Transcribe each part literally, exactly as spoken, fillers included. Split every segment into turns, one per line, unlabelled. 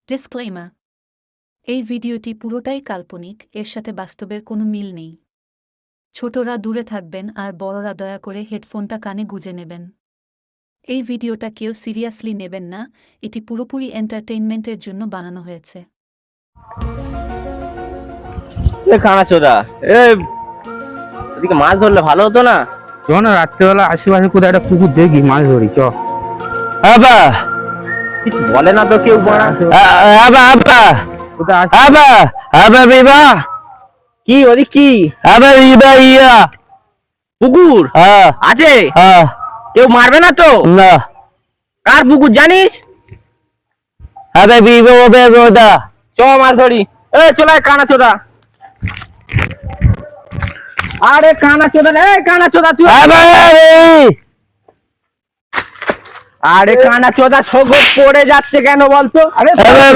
Disclaimer, এই ভিডিওটি পুরোটাই কাল্পনিক, এর সাথে বাস্তবের কোনো মিল নেই। ছোটরা দূরে থাকবেন আর বড়রা দয়া করে হেডফোনটা কানে গুঁজে নেবেন। এই ভিডিওটা কেউ সিরিয়াসলি নেবেন না, এটি পুরোপুরি এন্টারটেইনমেন্টের জন্য বানানো হয়েছে।
কানাচোদা, এদিকে মাছ ধরলে ভালো হতো না?
চ না, রাত্রেবেলা আশেপাশে কোথায় একটা পুকুর দেখি মাছ ধরি। চ
আবা কিছু বলে না তো কেউ। আবা আবা
কোথায়
আবা আবা বিবা কি ওদিক কি আবা বিবা ইয়া পুকুর আছে? কেউ মারবে না তো? না। কার পুকুর জানিস? আবে বিবা ওবে ওদা চ মাছ ধরি। এ চলে কানাচোদা। আরে কানাচোদা রে, কানাচোদা তুই। আরে কানাচোদা সগো পড়ে যাচ্ছে কেন বলতো? আরে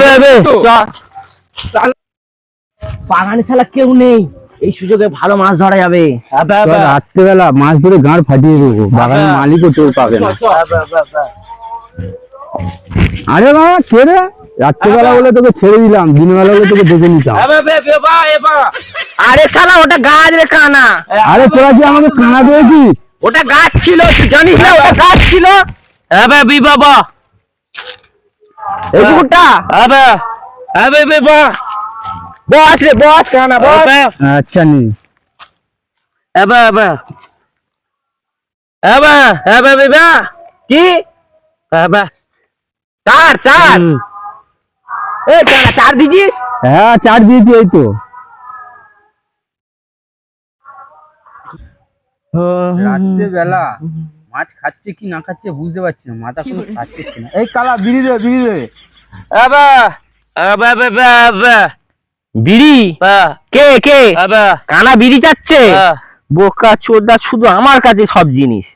বাগানে শালা কেউ নেই, এই সুযোগে ভালো মাছ ধরা যাবে।
রাত্রেবেলা মাছ ধরে গাঁড় ফাটিয়ে দেবো, বাগানের মালিকও টের পাবে না। আরে বাবা কে রে? রাত্রেবেলা বলে তোকে ছেড়ে দিলাম, দিনের বেলা বলে তোকে দেখে নিতাম।
আরে শালা ওটা গাছ রে কানা।
আরে তোরা কি আমাকে কানা দিয়েছিস?
ওটা গাছ ছিল, তুই জানিস না ওটা গাছ ছিল? আবে বি বাবা এই পুকুরটা আবে আবে বাবা বস রে বস কানা বস।
আচ্ছা নি
আবে আবে আবে আবে বাবা কি আবে চার চার এই কানা চার দিছিস?
হ্যাঁ চার দিয়েছি, এই তো। রাত্রেবেলা মাছ খাচ্ছে কি না খাচ্ছে বুঝতে পারছি না, মাথা কোনো খাচ্ছে না। এই কালা বিড়ি দে, বিড়ি দে।
আবা আবা বাবা আবা বিড়ি কে কে আবা কানা বিড়ি চাচ্ছে? বোকা চোদা, শুধু আমার কাছে সব জিনিস।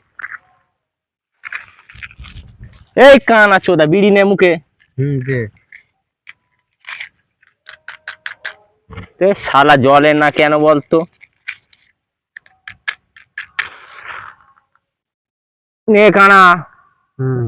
এই কানা চোদা বিড়ি নে মুখে।
হুম দে।
তে শালা জলে না কেন বলতো? নে কানা।
হুম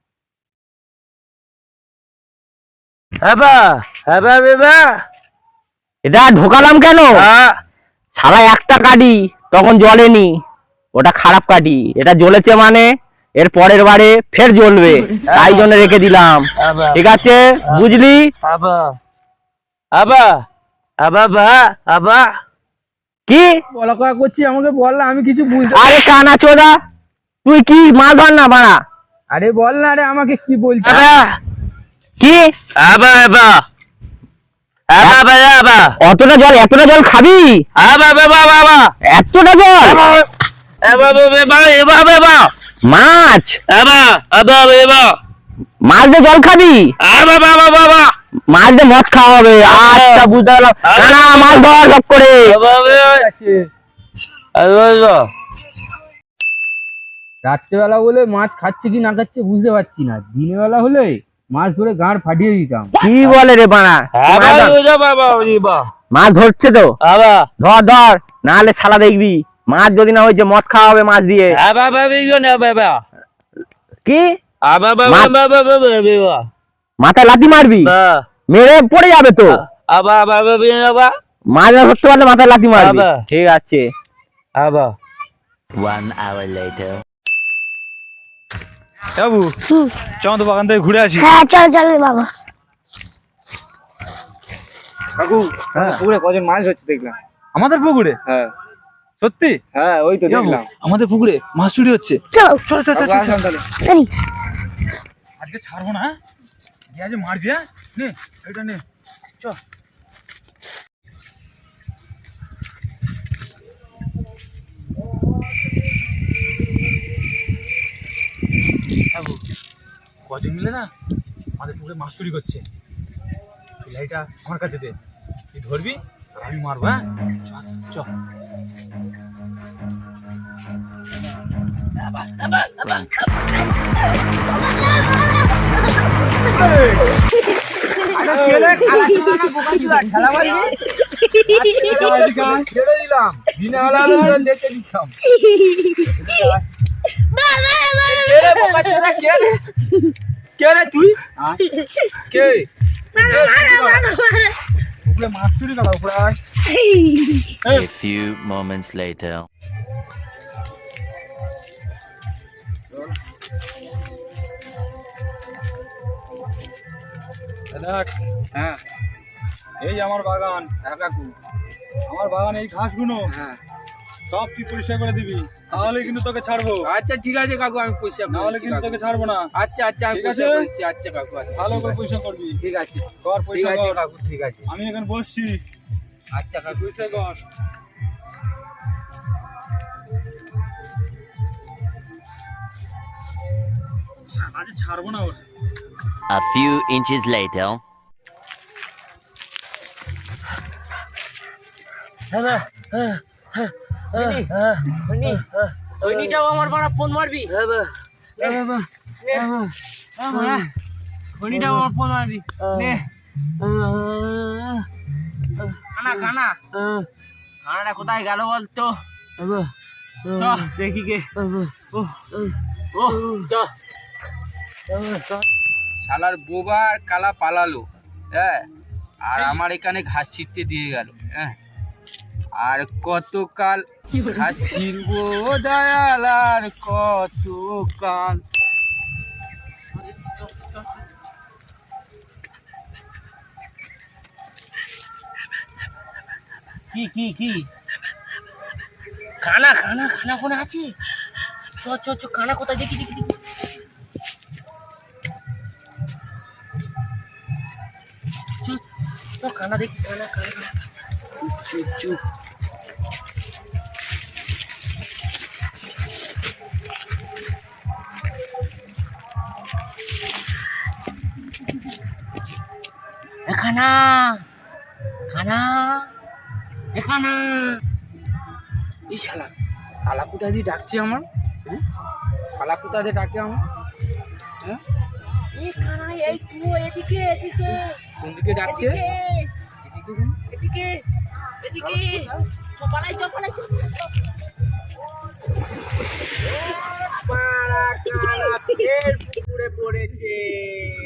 আবা আবা বাবা এটা ঢোকালাম কেন? শালা একটা কাটি তখন জ্বলেনি, ওটা খারাপ কাটি। এটা জ্বলেছে মানে এর পরের বারে ফের জ্বলবে, তাই জন্য রেখে দিলাম। ঠিক আছে বুঝলি? আবা আবা আবা বা আবা কি
বলা কয়া করছি, আমাকে বল না, আমি কিছু বুঝতে।
আরে কানা চোদা তুই কি মাছ ধর না বাড়া?
আরে বল না রে, আমাকে কি বলছিস?
কি আবা আবা আবা আবা অতটা জল, এতটা জল খাবি? আবা বাবা বাবা এতটা জল? আবা বাবা এবা বাবা মাছ আবা আবা বাবা মাছ দিয়ে জল খাবি? আবা বাবা বাবা মাছ দিয়ে মদ খাওয়া হবে। আচ্ছা বুঝতে পারলাম। না মাছ ধর সব করে।
রাত্রেবেলা বলে মাছ খাচ্ছে কি না খাচ্ছে বুঝতে পারছি না, দিনের বেলা হলে মাছ ধরে গাঁড় ফাটিয়ে দিতাম।
কি বলে রে বানা? মাছ ধরছে তো ধর ধর, নাহলে শালা দেখবি মাছ যদি না হয়েছে মদ খাওয়া হবে মাছ দিয়ে। কি মাথায় লাথি মারবি? মেরে পড়ে যাবে তো। মাছ না ধরতে পারলে মাথায় লাথি মারবি। ঠিক আছে।
বাবু চল তো বাগান থেকে ঘুরে আসি।
হ্যাঁ চল চল বাবা।
কাকু পুকুরে কজন মাছ হচ্ছে দেখলাম।
আমাদের পুকুরে?
হ্যাঁ
সত্যি?
হ্যাঁ ওই তো দেখলাম
আমাদের পুকুরে মাছ চুরি হচ্ছে।
চলো
চলো চলো চলো
চল।
আজকে ছাড়বো না, গিয়ে আজ মারবি। হ্যাঁ নে এটা নে চ। কজন মিলে না আমাদের পুকুরে মাছ চুরি করছে। লাইটা আমার কাছে দে, তুই ধরবি আর আমি মারবো। হ্যাঁ চ আস্তে চ।
ছেড়ে দিলাম, দিনে বেলা দেখে দিতাম। কে রে তুই? কে
উপরে মাছ চুরি কালা উপরে আয়।
A few moments later.
দেখ,
হ্যাঁ
এই আমার বাগান,
হ্যাঁ কাকু
আমার বাগান এই ঘাসগুলো
হ্যাঁ
সব তুই পরিষ্কার করে দিবি, তাহলে কিন্তু তোকে ছাড়বো,
আচ্ছা ঠিক আছে কাকু আমি পরিষ্কার
না
করে
হলে
দিচ্ছি
কিন্তু
কাকু।
তোকে ছাড়বো না।
আচ্ছা আচ্ছা আমি
ঠিক
পরিষ্কার
আছে?
করে দিচ্ছি। আচ্ছা কাকু আচ্ছা
ভালো
ঠিক
করে
আছে।
পরিষ্কার করবি।
ঠিক আছে
কর
ঠিক
পরিষ্কার
আছে
কর।
কাকু ঠিক আছে।
আমি এখানে বসছি,
আচ্ছা কাকু
পরিষ্কার কর। আজ ছাড়বো না ওর।
A few inches later.
ওইটাও আমার বড় ফোন মারবি, ওইটাও আমার ফোন মারবি নে। কানা কানা কানাটা কোথায় গেল বলতো? চ দেখি কে। ও ও চ।
শালার বোবা আর কালা পালালো, হ্যাঁ আর আমার এখানে ঘাস ছিটতে দিয়ে গেল। হ্যাঁ আর কতকাল ঘাস ছিড়বো দয়াল, আর কতকাল।
কি কি কি খানা খানা খানা কোনে আছে? চ চ চ খানা কোথায় দেখি দেখি দেখি। চ চ খানা দেখি, খানা খানা।
চুপ চুপ চুপ।
এ খানা খানা এ খানা।
এই শালা কালা কোথা দিয়ে ডাকছে আমার? হ্যাঁ কালা কোথা দিয়ে ডাকে আমার? হ্যাঁ
এ খানা এই তুই এদিকে এদিকে
কোন দিকে ডাকছে?
এদিকে
এদিকে কেন?
এদিকে এদিকে চপালাই চপালাই পুকুরে পড়েছে।